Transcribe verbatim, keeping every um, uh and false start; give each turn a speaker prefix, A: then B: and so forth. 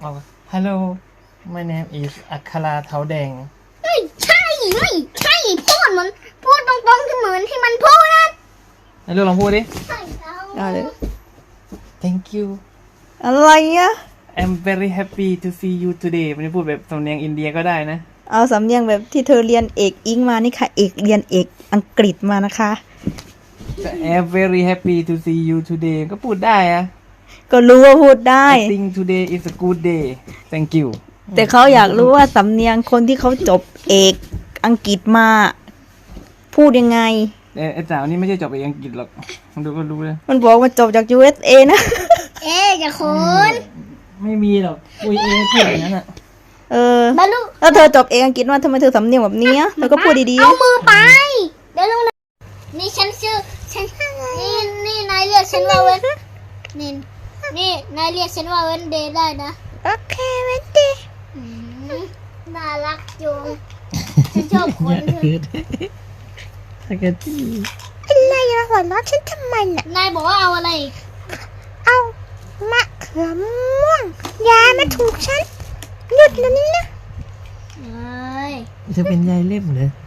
A: บอกว่า Hello my name is อัคราเท้าแดง
B: เฮ้ยใช่เฮ้ยใช่พูดเหมือนพูดตรงๆที่เหมือนที่มันพูดนะ
A: ไหนลูกลองพูดดิ
B: ใช่แล้ว
C: เอาเลย
A: Thank you
C: อะไรอะ
A: I'm very happy to see you today ไม่ได้พูดแบบสำเนียงอินเดียก็ได้นะ
C: เอาสำเนียงแบบที่เธอเรียนเอกอิงมานี่ค่ะ เอกเรียนเอกอังกฤษมานะคะ
A: แต่ I'm very happy to see you today ก็พูดได้อะ
C: ก็รู้ว่าพูดได้
A: I think today is a good day Thank you
C: แต่เขาอยากรู้ว่าสำเนียงคนที่เขาจบเอกอังกฤษมา พูดยังไง
A: เอ้ไอ้สาวนี่ไม่ใช่จบเอกอังกฤษหรอกมันดูก็รู้เลย
C: มันบอกว่าจบจาก ยู เอส เอ นะ
B: เอ๊ะจะคุณ
A: ไม่มีหรอกคุยเองพูดอย่างนั้นอ่ะ
C: เออ
B: บรรลุ
C: แล้วเธอจบเอกอังกฤษมาทำไมเธอสำเนียงแบบนี้อะเธอก็พูดดีๆ
B: เอา
C: อะ
B: มือไปเดี๋ยวลงนะนี่ฉันชื่อฉันนี่นี่นายเรียกฉันว่าเว้นนี่นี่นายเรียกฉันว่าเว้นเดย์ได้นะ
C: โอเคเวนดี้
B: อืมน่ารักจุงฉันชอบคนที่
A: ถ้าเกิด
C: อะไรอะหัวเราะฉันทำไมน่ะ
B: นายบอกว่าเอาอะไรอีก
C: เอามะเขือม่วงยามาถูกฉันหยุดแล้วนี่นะ
B: เอ้ย
A: จะเป็นยายเล่มเลย